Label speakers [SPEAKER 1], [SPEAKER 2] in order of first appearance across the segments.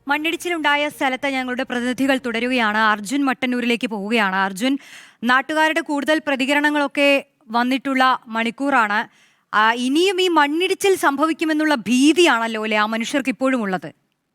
[SPEAKER 1] മണ്ണിടിച്ചിലുണ്ടായ സ്ഥലത്ത് ഞങ്ങളുടെ പ്രതിനിധികൾ തുടരുകയാണ്. അർജുൻ മട്ടന്നൂരിലേക്ക് പോവുകയാണ്. അർജുൻ, നാട്ടുകാരുടെ കൂടുതൽ പ്രതികരണങ്ങളൊക്കെ വന്നിട്ടുള്ള മണിക്കൂറാണ്. ഇനിയും ഈ മണ്ണിടിച്ചിൽ സംഭവിക്കുമെന്നുള്ള ഭീതിയാണല്ലോ അല്ലെ ആ മനുഷ്യർക്ക് ഇപ്പോഴും ഉള്ളത്?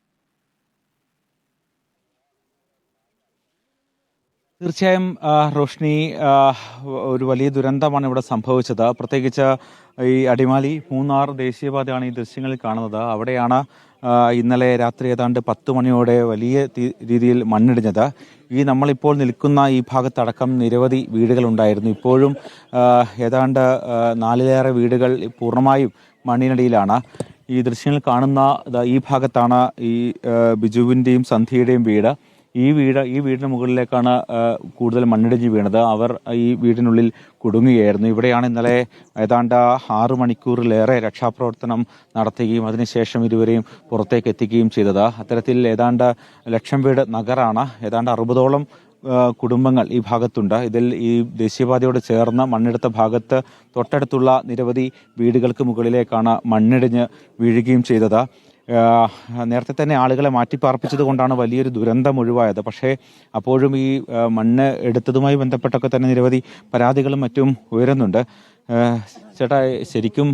[SPEAKER 2] തീർച്ചയായും റോഷ്നി, ഒരു വലിയ ദുരന്തമാണ് ഇവിടെ സംഭവിച്ചത്. പ്രത്യേകിച്ച് ഈ അടിമാലി മൂന്നാർ ദേശീയപാതയാണ് ഈ ദൃശ്യങ്ങളിൽ കാണുന്നത്. അവിടെയാണ് ഇന്നലെ രാത്രി ഏതാണ്ട് 10 മണിയോടെ വലിയ രീതിയിൽ മണ്ണിടിഞ്ഞത്. നമ്മളിപ്പോൾ നിൽക്കുന്ന ഈ ഭാഗത്തടക്കം നിരവധി വീടുകളുണ്ടായിരുന്നു. ഇപ്പോഴും ഏതാണ്ട് 4-ലേറെ വീടുകൾ പൂർണ്ണമായും മണ്ണിനടിയിലാണ്. ഈ ദൃശ്യങ്ങൾ കാണുന്ന ഈ ഭാഗത്താണ് ഈ ബിജുവിൻ്റെയും സന്ധ്യയുടെയും വീട്. ഈ വീടിന് മുകളിലേക്കാണ് കൂടുതൽ മണ്ണിടിഞ്ഞ് വീണത്. അവർ ഈ വീടിനുള്ളിൽ കുടുങ്ങുകയായിരുന്നു. ഇവിടെയാണ് ഇന്നലെ ഏതാണ്ട് 6 മണിക്കൂറിലേറെ രക്ഷാപ്രവർത്തനം നടത്തുകയും അതിനുശേഷം ഇരുവരെയും പുറത്തേക്ക് എത്തിക്കുകയും ചെയ്തത്. അത്തരത്തിൽ ഏതാണ്ട് 1,00,000 വീട് നഗറാണ്. ഏതാണ്ട് 60ഓളം കുടുംബങ്ങൾ ഈ ഭാഗത്തുണ്ട്. ഇതിൽ ഈ ദേശീയപാതയോട് ചേർന്ന് മണ്ണെടുത്ത ഭാഗത്ത് തൊട്ടടുത്തുള്ള നിരവധി വീടുകൾക്ക് മുകളിലേക്കാണ് മണ്ണിടിഞ്ഞ് വീഴുകയും ചെയ്തത്. നേരത്തെ തന്നെ ആളുകളെ മാറ്റിപ്പാർപ്പിച്ചത് കൊണ്ടാണ് വലിയൊരു ദുരന്തം ഒഴിവായത്. പക്ഷേ അപ്പോഴും ഈ മണ്ണ് എടുത്തതുമായി ബന്ധപ്പെട്ടൊക്കെ തന്നെ നിരവധി പരാതികളും മറ്റും ഉയരുന്നുണ്ട്. ചേട്ടാ, ശരിക്കും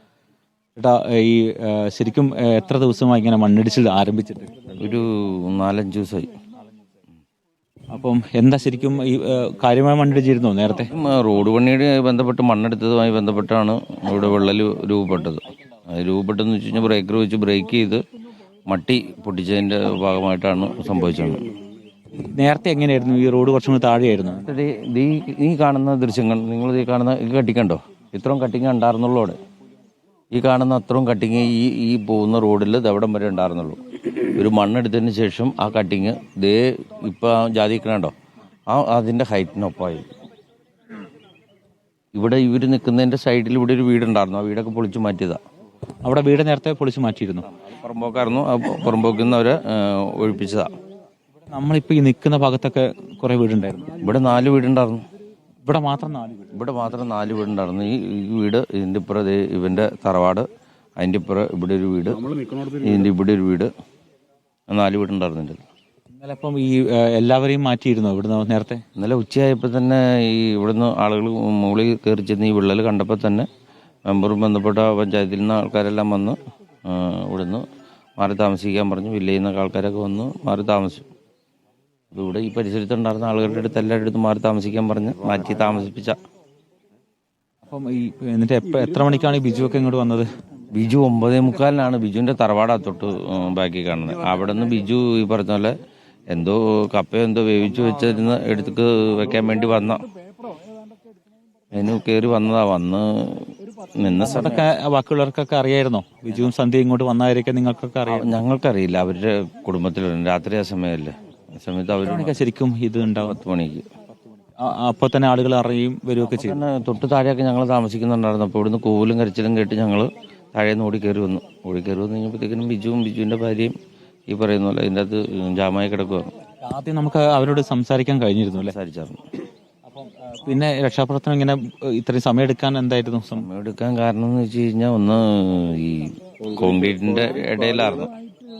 [SPEAKER 2] എത്ര ദിവസമായി ഇങ്ങനെ മണ്ണിടിച്ചിൽ ആരംഭിച്ചിട്ട്?
[SPEAKER 3] ഒരു 4-5 ദിവസമായി.
[SPEAKER 2] അപ്പം എന്താ ശരിക്കും ഈ കാര്യമായ മണ്ണിടിച്ചിരുന്നോ നേരത്തെ?
[SPEAKER 3] റോഡ് പണിയുടെ ബന്ധപ്പെട്ട് മണ്ണെടുത്തതുമായി ബന്ധപ്പെട്ടാണ് ഇവിടെ വിള്ളൽ രൂപപ്പെട്ടത്. രൂപപ്പെട്ടെന്ന് വെച്ച് കഴിഞ്ഞാൽ ബ്രേക്കർ വെച്ച് ബ്രേക്ക് ചെയ്ത് മട്ടി പൊട്ടിച്ചതിൻ്റെ ഭാഗമായിട്ടാണ് സംഭവിച്ചത്.
[SPEAKER 2] നേരത്തെ എങ്ങനെയായിരുന്നു? ഈ റോഡ് കുറച്ചും കൂടി താഴെയായിരുന്നു.
[SPEAKER 3] ഈ കാണുന്ന ദൃശ്യങ്ങൾ, നിങ്ങൾ ഈ കാണുന്ന ഈ കട്ടിങ്ങുണ്ടോ? ഇത്രയും കട്ടിങ് ഉണ്ടായിരുന്നുള്ളൂ അവിടെ. ഈ കാണുന്ന അത്രയും കട്ടിങ് ഈ പോകുന്ന റോഡിൽ അവിടം വരെ ഉണ്ടായിരുന്നുള്ളൂ. ഒരു മണ്ണെടുത്തതിന് ശേഷം ആ കട്ടിങ് ഇപ്പോൾ ജാതിക്കണുണ്ടോ അതിൻ്റെ ഹൈറ്റിനൊപ്പമായി. ഇവിടെ ഇവർ നിൽക്കുന്നതിൻ്റെ സൈഡിൽ ഇവിടെ ഒരു വീടുണ്ടായിരുന്നു. ആ വീടൊക്കെ പൊളിച്ചു മാറ്റിയതാണ്.
[SPEAKER 2] അവിടെ വീട് നേരത്തെ പൊളിച്ചു മാറ്റിയിരുന്നു.
[SPEAKER 3] പുറമ്പോക്കായിരുന്നു. ആ പുറമ്പോക്കിൽ നിന്ന് അവരെ ഒഴിപ്പിച്ചതാണ്.
[SPEAKER 2] നമ്മളിപ്പോൾ ഈ നിൽക്കുന്ന ഭാഗത്തൊക്കെ കുറേ വീടുണ്ടായിരുന്നു.
[SPEAKER 3] ഇവിടെ 4 വീടുണ്ടായിരുന്നു.
[SPEAKER 2] ഇവിടെ മാത്രം 4 വീട്?
[SPEAKER 3] ഇവിടെ മാത്രം 4 വീടുണ്ടായിരുന്നു. ഈ വീട്, ഇതിൻ്റെ ഇപ്പുറം ഇവൻ്റെ തറവാട്, അതിൻ്റെ ഇപ്പുറം ഇവിടെ ഒരു വീട്, ഇതിൻ്റെ ഇവിടെ ഒരു വീട്, 4 വീടുണ്ടായിരുന്നുണ്ട്.
[SPEAKER 2] ഇന്നലെ അപ്പം ഈ എല്ലാവരെയും മാറ്റിയിരുന്നോ ഇവിടുന്ന്? നേരത്തെ
[SPEAKER 3] ഇന്നലെ ഉച്ചയായപ്പോൾ തന്നെ ഇവിടുന്ന് ആളുകൾ മുകളിൽ കയറി ചെന്ന് ഈ വിള്ളൽ കണ്ടപ്പോൾ തന്നെ മെമ്പറും ബന്ധപ്പെട്ട പഞ്ചായത്തിൽ നിന്ന് ആൾക്കാരെല്ലാം വന്ന് ഇവിടുന്ന് മാറി താമസിക്കാൻ പറഞ്ഞു. വില്ലേജിൽ നിന്നൊക്കെ ആൾക്കാരൊക്കെ വന്ന് മാറി താമസിച്ചു. അപ്പോൾ ഇവിടെ ഈ പരിസരത്തുണ്ടായിരുന്ന ആളുകളുടെ അടുത്ത് എല്ലാവരുടെ അടുത്ത് മാറി താമസിക്കാൻ പറഞ്ഞ് മാറ്റി താമസിപ്പിച്ച.
[SPEAKER 2] അപ്പം എന്നിട്ട് എത്ര മണിക്കാണ് ഈ ബിജു ഒക്കെ ഇങ്ങോട്ട് വന്നത്?
[SPEAKER 3] ബിജു 9:45 ബിജുവിൻ്റെ തറവാടാ തൊട്ട് ബാക്കി കാണുന്നത്. അവിടെ നിന്ന് ബിജു ഈ പറഞ്ഞ പോലെ എന്തോ കപ്പയോ എന്തോ വേവിച്ച് വെച്ചിരുന്ന് എടുത്ത് വെക്കാൻ വേണ്ടി വന്ന അതിന് കയറി വന്നതാ. വന്ന് നിന്ന
[SPEAKER 2] അതൊക്കെ ബാക്കിയുള്ളവർക്കൊക്കെ അറിയായിരുന്നോ? ബിജുവും സന്ധ്യ ഇങ്ങോട്ട് വന്നവരൊക്കെ നിങ്ങൾക്കൊക്കെ അറിയാം?
[SPEAKER 3] ഞങ്ങൾക്കറിയില്ല. അവരുടെ കുടുംബത്തിലുണ്ട്. രാത്രി ആ സമയമല്ലേ. ആ സമയത്ത് അവർ
[SPEAKER 2] ശരിക്കും ഇത് ഉണ്ടാവും
[SPEAKER 3] 10 മണിക്ക്.
[SPEAKER 2] അപ്പോൾ തന്നെ ആളുകൾ അറിയും വരികയൊക്കെ ചെയ്യും.
[SPEAKER 3] തൊട്ട് താഴെയൊക്കെ ഞങ്ങൾ താമസിക്കുന്നുണ്ടായിരുന്നു. അപ്പോൾ ഇവിടുന്ന് കൂവലും കരച്ചിലും കേട്ട് ഞങ്ങൾ താഴേന്ന് ഓടി കയറി വന്നു കഴിഞ്ഞപ്പോഴത്തേക്കിനും ബിജുവിൻ്റെ ഭാര്യയും ഈ പറയുന്ന പോലെ ഇതിൻ്റെ അകത്ത് ജാമായി കിടക്കുവാണ്.
[SPEAKER 2] ആദ്യം നമുക്ക് അവരോട് സംസാരിക്കാൻ കഴിഞ്ഞിരുന്നു അല്ലേ?
[SPEAKER 3] സംസാരിച്ചായിരുന്നു.
[SPEAKER 2] അപ്പം പിന്നെ രക്ഷാപ്രവർത്തനം ഇങ്ങനെ ഇത്രയും സമയം എടുക്കാൻ എന്തായിരുന്നു?
[SPEAKER 3] സമയം എടുക്കാൻ കാരണം എന്ന് വെച്ച് കഴിഞ്ഞാൽ ഒന്ന് ഈ കോൺക്രീറ്റിന്റെ ഇടയിലായിരുന്നു.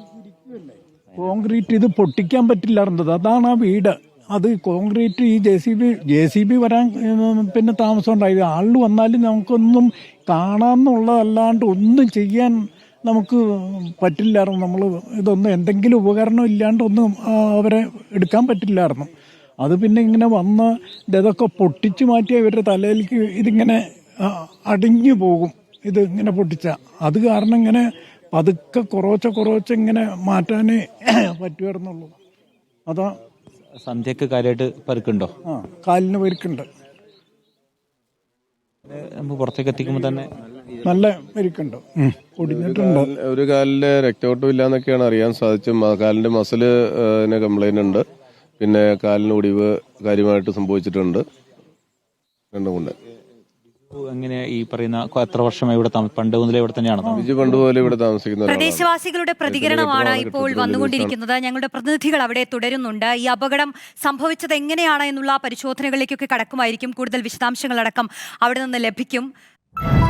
[SPEAKER 4] കോൺക്രീറ്റ് ഇത് പൊട്ടിക്കാൻ പറ്റില്ലായിരുന്നത്. അതാണ് ആ വീട്. അത് കോൺക്രീറ്റ് ഈ JCB വരാൻ പിന്നെ താമസം ഉണ്ടായത്. ആളിൽ വന്നാലും നമുക്കൊന്നും കാണാമെന്നുള്ളതല്ലാണ്ട് ഒന്നും ചെയ്യാൻ നമുക്ക് പറ്റില്ലായിരുന്നു. നമ്മൾ ഇതൊന്നും എന്തെങ്കിലും ഉപകരണം ഇല്ലാണ്ട് ഒന്നും അവരെ എടുക്കാൻ പറ്റില്ലായിരുന്നു. അത് പിന്നെ ഇങ്ങനെ വന്ന് ഇതൊക്കെ പൊട്ടിച്ചു മാറ്റിയ ഇവരുടെ തലയിലേക്ക് ഇതിങ്ങനെ അടിഞ്ഞു പോകും. ഇത് ഇങ്ങനെ പൊട്ടിച്ച അത് കാരണം ഇങ്ങനെ പതുക്കെ കുറച്ച് ഇങ്ങനെ മാറ്റാനേ പറ്റുമായിരുന്നുള്ളൂ. അതാ.
[SPEAKER 2] സന്ധ്യക്ക് കാര്യമായിട്ട് പരുക്കുണ്ടോ?
[SPEAKER 4] കാലിന് പരുക്കുണ്ട്.
[SPEAKER 2] നമുക്ക് പുറത്തേക്ക് എത്തിക്കുമ്പോൾ തന്നെ
[SPEAKER 4] നല്ല പരിക്കുണ്ട്, പൊടിഞ്ഞിട്ടുണ്ട്.
[SPEAKER 5] ഒരു കാലില് രക്തയോട്ടം ഇല്ലാന്നൊക്കെയാണ് അറിയാൻ സാധിച്ചത്. കാലിന്റെ മസില് കംപ്ലൈന്റ് ഉണ്ട്. പിന്നെ കാലിന് ഒടിവ് കാര്യമായിട്ട് സംഭവിച്ചിട്ടുണ്ട്. രണ്ടും കൊണ്ട്.
[SPEAKER 2] എങ്ങനെ ഈ പറയുന്ന എത്ര വർഷമായി ഇവിടെ പണ്ട് മുതലേ ഇവിടെ തന്നെയാണ്?
[SPEAKER 5] ബിജു പണ്ട് പോലെ ഇവിടെ താമസിക്കുന്ന
[SPEAKER 1] പ്രദേശവാസികളുടെ പ്രതികരണമാണ് ഇപ്പോൾ വന്നുകൊണ്ടിരിക്കുന്നത്. ഞങ്ങളുടെ പ്രതിനിധികൾ അവിടെ തുടരുന്നുണ്ട്. ഈ അപകടം സംഭവിച്ചത് എങ്ങനെയാണ് എന്നുള്ള പരിശോധനകളിലേക്കൊക്കെ കടക്കുമായിരിക്കും. കൂടുതൽ വിശദാംശങ്ങളടക്കം അവിടെ നിന്ന് ലഭിക്കും.